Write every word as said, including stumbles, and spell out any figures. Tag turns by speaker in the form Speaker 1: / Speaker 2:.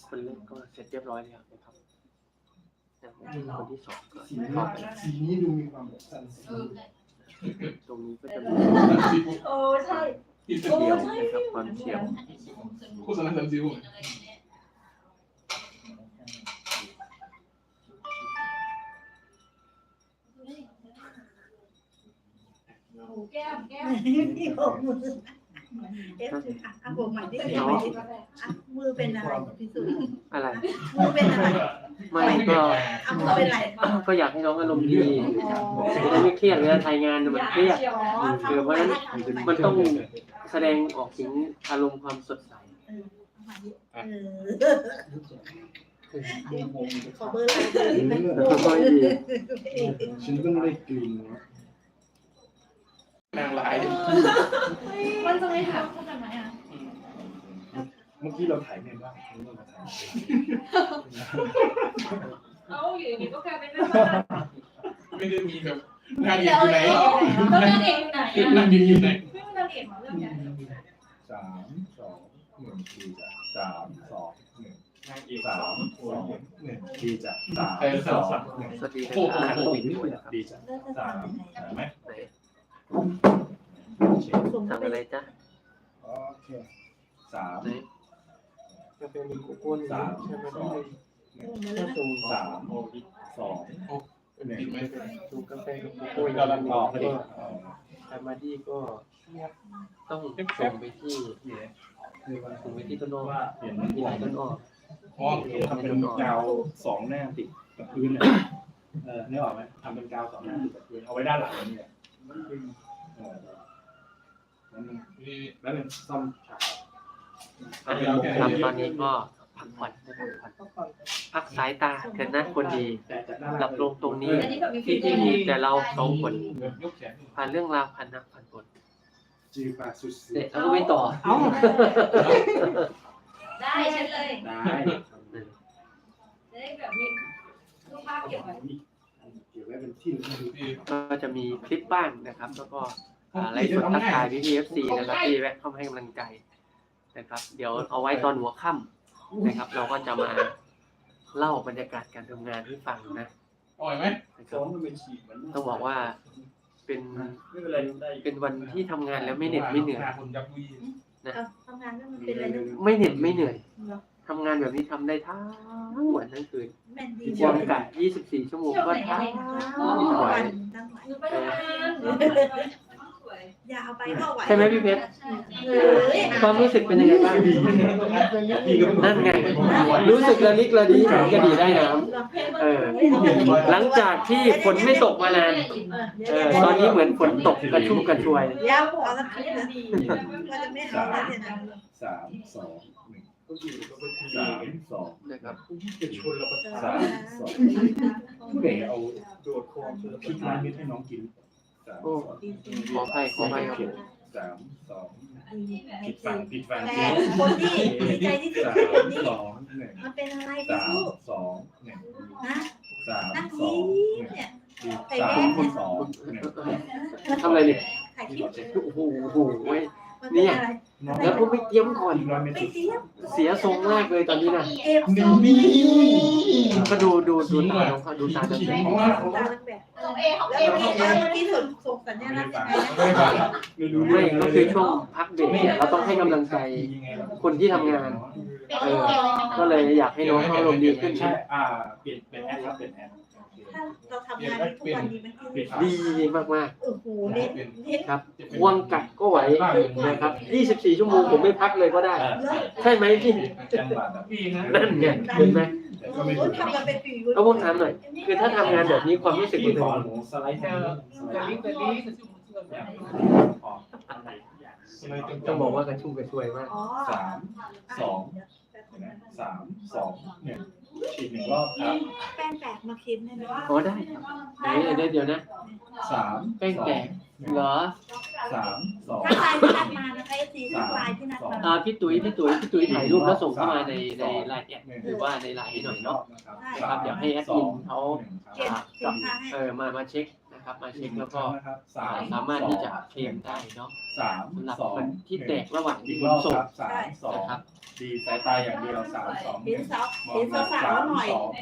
Speaker 1: คนแรกก็เสร็จเรียบร้อยแล้วนะครับคนที่สองก็
Speaker 2: สีนี้
Speaker 1: เข้าไป
Speaker 2: สีนี้ดูมีความแบบสันสี
Speaker 1: ตรงนี้ก็จะมี
Speaker 3: โอ้ใช่
Speaker 1: เฉียวนะครับความเฉียว
Speaker 4: โฆษณาสันซิว
Speaker 3: โอ้แก้มแก้ม
Speaker 5: ที่หกมือเอฟถืออ่ะอ่ะบอกใหม่ดิบอกใหม่ดิอ่ะมือเป็นอะไรพี่สุ
Speaker 1: อะไร
Speaker 5: มือเป็นอะไร
Speaker 1: ไม่ก็
Speaker 5: อ่ะมือเป็นอะไร
Speaker 1: ก็อยากให้น้องอารมณ์ดีจะได้ไม่เครียดเวลาถ่ายงานมันเครียด
Speaker 5: อ๋อ
Speaker 1: คือเพราะฉะนั้นมันต้องแสดงออกถึงอารมณ์ความสดใส
Speaker 5: เออขอเบอร์อะไรเบอร์
Speaker 1: แล้วก็ดี
Speaker 2: ฉันก็ไม่ได้กลิ่น
Speaker 4: นางร้าย
Speaker 3: มันจะไม่ถามขนาดไหนอ่ะ
Speaker 2: เมื่อกี้เราถ่ายเมนบ้างนี่เราถ่าย
Speaker 3: เอาอยู่ดีก็กลายเป็นแม่บ้าน
Speaker 4: ไม่ได้มีแบบนางเอกอยู่ไหน
Speaker 3: แล้วนางเอกอยู่ไหน
Speaker 4: นางเอกอยู่ไหน
Speaker 3: ไม่มีนางเอกมาเรื่องนี้
Speaker 2: สามสองหนึ่งทีจ้ะสามสองหนึ่ง
Speaker 4: นางเอก
Speaker 2: สามสองหนึ่งทีจ้ะสามสองหนึ่ง
Speaker 1: สวัสดีนะครับ
Speaker 2: ดีจ้ะสามเห็นไหม
Speaker 5: ส่ง
Speaker 1: สั่ง
Speaker 5: ไป
Speaker 1: อะไรจ๊ะ
Speaker 2: โอเคสาม
Speaker 1: ไหนกาแฟมีโกโก้สามใช่ไหม
Speaker 2: สอง
Speaker 1: ถ้าสูง
Speaker 2: สามสองหนึ่ง
Speaker 4: ติดไหม
Speaker 1: สูงกาแฟกับโกโก้
Speaker 2: กำลังต่อพอดี
Speaker 1: ทามาดี้ก็ต้องส่งไปที่ส่งไปที่ต้นอ้อ
Speaker 2: ว่าเห็น
Speaker 1: มีหลายต้นอ้อ
Speaker 4: อ๋อ
Speaker 2: ทำเป็นกาวสองหน้าติดกับพื้นเนี่ยเออนี่ออกไหมทำเป็นกาวสองหน้าติดกับพื้นเอาไว้ด้านหลังนี่แหละเออแล้วนึง
Speaker 4: นี่
Speaker 2: แล้วนึงซ่อมฉาก
Speaker 1: อ่ะครับตอนนี้ก็พักผ่อนพักผ่อนพักสายตาเถิดนะคนดี
Speaker 2: แต่จะน่า
Speaker 1: หลับลงตรงนี้
Speaker 3: อันนี้แบบมีฟิ
Speaker 1: ที่
Speaker 3: ลเตอ
Speaker 1: ที่
Speaker 3: ร์
Speaker 1: มีแต่เราสองคน
Speaker 4: ยกแขน
Speaker 1: ผ่านเรื่องราวผ่านนักผ่านบท
Speaker 2: จีปาสุด
Speaker 1: เด็กแล้วก็ไม่ต่อ
Speaker 3: ได้ฉันเลย
Speaker 2: ได้
Speaker 3: ได้แบบมีรูปภาพเก็บไว้
Speaker 2: เก็บไว้เป็นที่ระลึก
Speaker 4: ที่
Speaker 1: ก็จะมีคลิปบ้างนะครับ แล้วก็ไลฟ์สดทักทายพี่พีเอฟซีนะครับที่แวะเข้ามาให้กำลังใจนะครับ เดี๋ยวเอาไว้ตอนหัวค่ำนะครับ เราก็จะมาเล่าบรรยากาศการทำงานให้ฟังนะ
Speaker 4: อ่อยไหม
Speaker 2: ซ้อมมันเป็นฉีกมัน
Speaker 1: ต้องบอกว่าเป็น
Speaker 2: ไม่เป็นไรได้
Speaker 1: เป็นวันที่ทำงานแล้วไม่เหน็ดไม่เหนื่อย
Speaker 4: คนยับวี
Speaker 5: ทำงานแล้วมันเป็นอะไรลูก
Speaker 1: ไม่เหน็ดไม่เหนื่อยทำงานแบบนี้ทำได้ทั้งวันทั้งคืน
Speaker 5: แม่นดี
Speaker 1: วางกะยี่สิบสี่ชั่วโมงก็ทั้ง
Speaker 5: อ๋อ
Speaker 1: ไหว
Speaker 5: วันตั้งไหว
Speaker 3: หนูไปทำงานสวย
Speaker 5: อย่าเอาไปเข้าไหว
Speaker 1: ใช่ไหมพี่เพชร
Speaker 5: เออ
Speaker 1: ความรู้สึกเป็นยังไงบ้างนั่นไง รู้สึกระลิกระดีกระดีได้น้ำเออ หลังจากที่ฝนไม่ตกมานานเออตอนนี้เหมือนฝนตกกระชุ่มกระชวย
Speaker 5: เดี๋ยวเอาสักคลิปนะเราจะไม่เอาแล้วเนี่ยนะ
Speaker 2: สามสองหนึ่งสามสอง
Speaker 1: นะครับ
Speaker 2: จะชนแล้วก็สามสองผู้ใดเอาโดดคอพริกร้านนี้ให้น้องกินสามสอง
Speaker 1: ขออภัยขออภัยครับ
Speaker 2: สามสองผิดฝั่งผิดฝั่ง
Speaker 5: แต่คนที่ดีใจที่สุด
Speaker 2: สา
Speaker 5: คือคน
Speaker 2: ม
Speaker 5: นี้
Speaker 2: สองหนึ่ง
Speaker 5: มันเป็นอะไร
Speaker 2: สา
Speaker 5: พี่
Speaker 2: ม
Speaker 5: สู้
Speaker 2: สองหนึ่ง
Speaker 5: นะ
Speaker 2: สาม
Speaker 5: นั่ง
Speaker 2: สอ
Speaker 5: นี้
Speaker 2: งหนึ่ง
Speaker 5: เนี่ย
Speaker 2: สามสองหนึ่ง
Speaker 1: ทำอะไรเนี่ย
Speaker 5: ถ่ายคลิป
Speaker 1: โอ้โหโอ้โหเว้ย
Speaker 5: มันเป็นอะไร
Speaker 1: แล้วก็ไม่เตรียมก่อน
Speaker 2: อีกร้อยเมตร
Speaker 5: ไม่เตรียม
Speaker 1: เสียทรงแรกเลยตอนนี้นะ
Speaker 5: เอฟ
Speaker 2: หนึ่
Speaker 5: ซู
Speaker 2: งนี่
Speaker 1: ก็ดูดูดูตาน้องเขาดูตาน้องเขา
Speaker 2: เพราะว่า
Speaker 5: ตาลังแบบ
Speaker 3: ของเอของ
Speaker 5: แล้
Speaker 3: เอ
Speaker 5: ว
Speaker 3: ของ
Speaker 5: เมื่อ
Speaker 3: เอ
Speaker 5: กี้ส่งส่งสัญญาณ
Speaker 2: ไม่
Speaker 5: ยัง
Speaker 2: ฟัง
Speaker 5: ไง
Speaker 2: ไม่ฟังไม่รู้
Speaker 1: ไม่ก็คือช่วงพักเบรกเนี่ยเราต้องให้กำลังใจคนที่ทำงาน เออ ก็เลยอยากให้น้องเขาอารมณ์ดีขึ้น
Speaker 2: ใช่อ่าเปลี่ยนเป็นแอปครับเป็นแอป
Speaker 5: ถ้าเราทำงานทุกวันดีมันคือ
Speaker 1: ดีมาก
Speaker 5: โอ้โหเน้นเน้น
Speaker 1: ๆครับควงกัดก็ไหวนะครับยี่สิบสี่ชั่วโมงผมไม่พักเลยก็ได้ ใช่ไหมพี่
Speaker 2: จังหวะแบบพี่นะ
Speaker 1: นั่นไงเห็นไหม
Speaker 2: แต่ก็ไม่
Speaker 5: โอ้
Speaker 2: ถูก
Speaker 5: ทำกันเป็นปี
Speaker 1: เอาพวกถามหน่อย คือถ้าทำงานแบบนี้ความรู้สึก
Speaker 2: พี่
Speaker 1: เป็น
Speaker 2: ขอ
Speaker 1: ยัง
Speaker 2: ห
Speaker 1: ไง
Speaker 2: มูสไลด์แค่สไลด์ออก
Speaker 1: ต้องบอกว่ากระชุ่มกระชวยมาก
Speaker 5: อ๋อ
Speaker 2: สามสองสามสองหนึ่งอีกหนึ่งรอบครับ
Speaker 5: แป้งแตกมาคิดได้ไหม
Speaker 1: อ๋อได้ครับเดี๋ยวเดี๋ยวเดี๋ยวนะ
Speaker 2: สาม
Speaker 1: แป้งแตกเหรอ
Speaker 2: สามสอง
Speaker 5: ถ้าลายที่นัดมานะคะเอฟซีถ้าลายที่นัดมา
Speaker 1: อ่าพี่ตุ๋ยพี่ตุ๋ยพี่ตุ๋ยถ่ายรูปแล้วส่งเข้ามาในในไลน์แอดหรือว่าในไลน์ให้หน่อยเนาะ นะครับเดี๋ยวให้แอดมินเขา
Speaker 5: เก็บสินค้าให้
Speaker 1: เออมามาเช็คนะคนะครับ มาเช็คแล้วก็
Speaker 2: นะครับสาม
Speaker 1: สามารถที่จะเคลมได้เนาะ
Speaker 2: สาม
Speaker 1: สำหรับ
Speaker 2: สอง
Speaker 1: คนที่แตกระหว่าง
Speaker 2: อีก
Speaker 1: ข
Speaker 2: ร
Speaker 1: น
Speaker 2: อบ
Speaker 1: ส่ง
Speaker 2: ครับสามสอง
Speaker 1: นะครับ
Speaker 2: ดีสายตาอย่างเดียวสามสอง
Speaker 5: เห็นสาวเห็นสาวๆหน่อย
Speaker 2: สอง